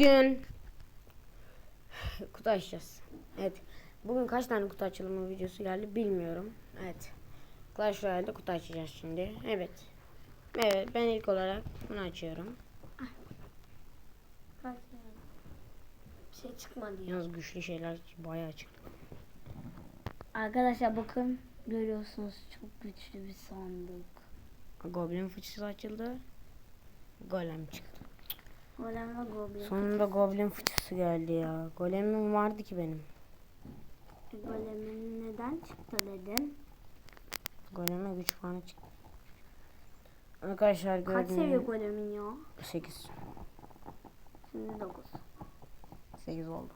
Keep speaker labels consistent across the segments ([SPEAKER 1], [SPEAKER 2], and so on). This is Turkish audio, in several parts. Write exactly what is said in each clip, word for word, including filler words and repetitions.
[SPEAKER 1] Bugün kutu açacağız. Evet. Bugün kaç tane kutu açılımı videosu geldi bilmiyorum. Evet. Clash Royale'de kutu açacağız şimdi. Evet. Evet, ben ilk olarak bunu açıyorum.
[SPEAKER 2] Bir şey çıkmadı.
[SPEAKER 1] Yalnız güçlü şeyler bayağı çıktı.
[SPEAKER 2] Arkadaşlar bakın, görüyorsunuz çok güçlü bir sandık.
[SPEAKER 1] Goblin fıçısı açıldı. Golem çıktı.
[SPEAKER 2] Golem ve Goblin.
[SPEAKER 1] Sonunda Goblin fıçısı geldi ya. Golemim vardı ki benim.
[SPEAKER 2] Golem'in neden çıktı dedim.
[SPEAKER 1] Goleme güç puanı çıktı. Arkadaşlar
[SPEAKER 2] Kaç
[SPEAKER 1] gördüğünüz
[SPEAKER 2] seviye Golem'in ya?
[SPEAKER 1] sekiz.
[SPEAKER 2] Şimdi dokuz.
[SPEAKER 1] sekiz oldu.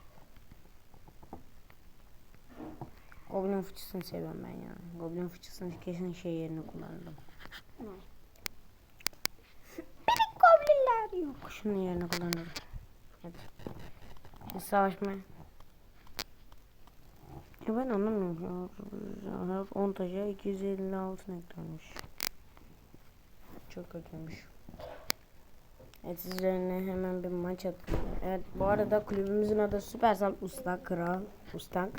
[SPEAKER 1] Goblin fıçısını seviyorum ben ya. Goblin fıçısını kesin şey yerine kullanırım.
[SPEAKER 2] Ne?
[SPEAKER 1] Benim goblinler yok. Şunun yerine kullanırım. Hadi. Şimdi savaşma. Ya ben anlamıyorum. on taca iki yüz elli altı eklenmiş. Çok kötüymüş. Evet, sizlerine hemen bir maç atayım. Evet, bu arada kulübümüzün adı Süpersal Usta Kral Ustak.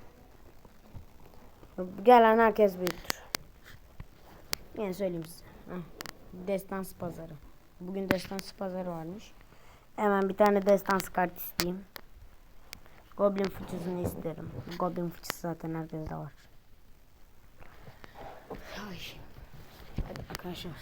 [SPEAKER 1] Gelen herkes büyüktür. Yine söyleyeyim size. Heh. Destansı pazarı. Bugün destansı pazarı varmış. Hemen bir tane destansı kart isteyeyim. Goblin fıçısını isterim. Goblin fıçısı zaten herkeste var. Ay. Hadi arkadaşlar.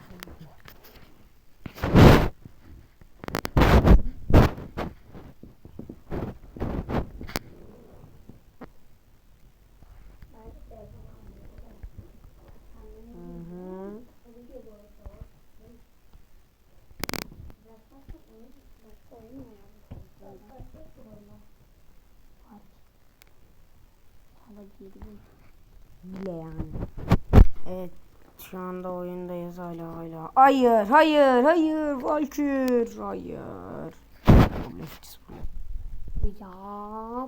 [SPEAKER 1] Bile yani. Evet, şu anda oyundayız hala hala. Hayır, hayır, hayır, Valkür, hayır.
[SPEAKER 2] Ya.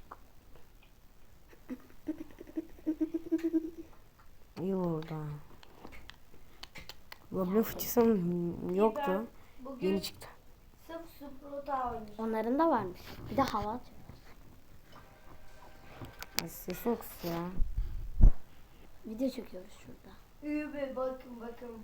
[SPEAKER 1] İyi orada. Goblin fıçısım yoktu. Yeni çıktı.
[SPEAKER 2] Sırf Sprota oynuyor. Onların da varmış. Bir de hava.
[SPEAKER 1] Sesin kıs ya.
[SPEAKER 2] Video çekiyoruz şurada.
[SPEAKER 3] İyi be, bakın bakın.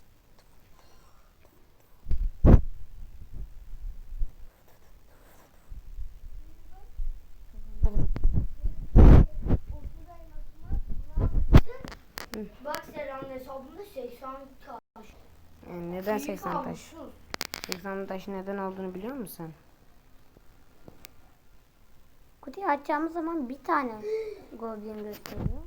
[SPEAKER 3] Bak Serhan hesabında seksen taş.
[SPEAKER 1] Yani neden
[SPEAKER 3] İyi
[SPEAKER 1] seksen taş?
[SPEAKER 3] kalmışsın.
[SPEAKER 1] seksen taş neden olduğunu biliyor musun?
[SPEAKER 2] Kutuyu açacağımız zaman bir tane Goblin gösteriyor.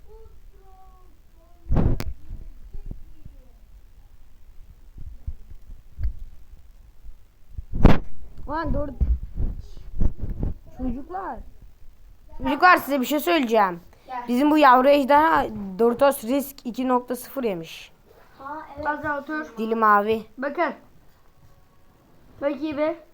[SPEAKER 1] Lan dur. Çocuklar. Çocuklar, size bir şey söyleyeceğim. Bizim bu yavru ejderha Doritos Risk iki nokta sıfır yemiş.
[SPEAKER 2] Ha evet.
[SPEAKER 3] Fazla otur.
[SPEAKER 1] Dili mavi.
[SPEAKER 3] Bakın. Bakayım be.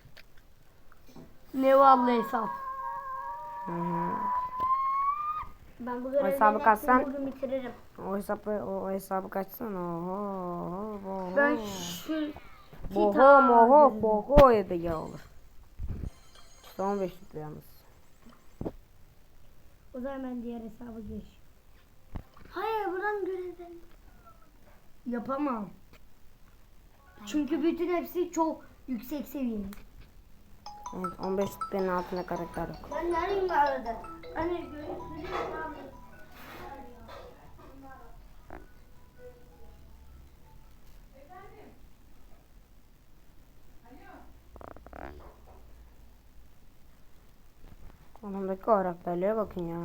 [SPEAKER 3] Ne vallahi hesap.
[SPEAKER 1] Hı hı.
[SPEAKER 2] Ben bu
[SPEAKER 1] O
[SPEAKER 2] görevlerin
[SPEAKER 1] hesabı
[SPEAKER 2] hepsini
[SPEAKER 1] katsan-
[SPEAKER 2] bugün bitiririm.
[SPEAKER 1] O hesabı o, o hesabı kaçsana. Oho, oho, oho.
[SPEAKER 3] Ben şu
[SPEAKER 1] Boho moho boho ya da ya olur. İşte on beş litre yalnız.
[SPEAKER 3] o zaman ben diğer hesaba geç.
[SPEAKER 2] Hayır buradan görevden.
[SPEAKER 3] Yapamam. Çünkü bütün hepsi çok yüksek seviyeli.
[SPEAKER 1] Evet, on beş litrenin altında karakter yok.
[SPEAKER 3] Ben neredeyim arada? Anne görüyorsun.
[SPEAKER 1] Onundaki karakterlere bakın ya.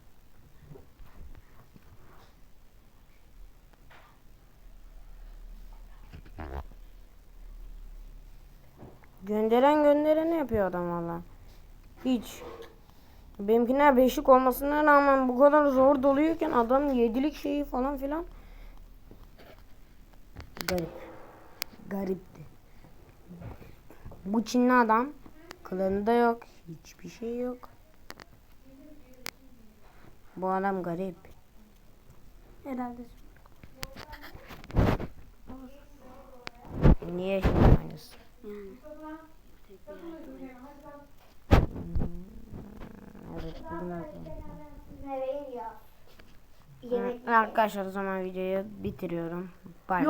[SPEAKER 1] Gönderen göndereni yapıyor adam valla. Hiç. Benimkiler beşlik olmasına rağmen bu kadar zor doluyorken adam yedilik şeyi falan filan. Garip. Garipti. Bu Çinli adam klanı da yok. Hiçbir şey yok. Bu adam garip.
[SPEAKER 2] Herhalde.
[SPEAKER 1] Niye şimdi aynısı?
[SPEAKER 2] Yani. Tek bir yardım
[SPEAKER 1] Evet bugün öyle.
[SPEAKER 3] Nereye ya?
[SPEAKER 1] Arkadaşlar o zaman videoyu bitiriyorum. Bay bay.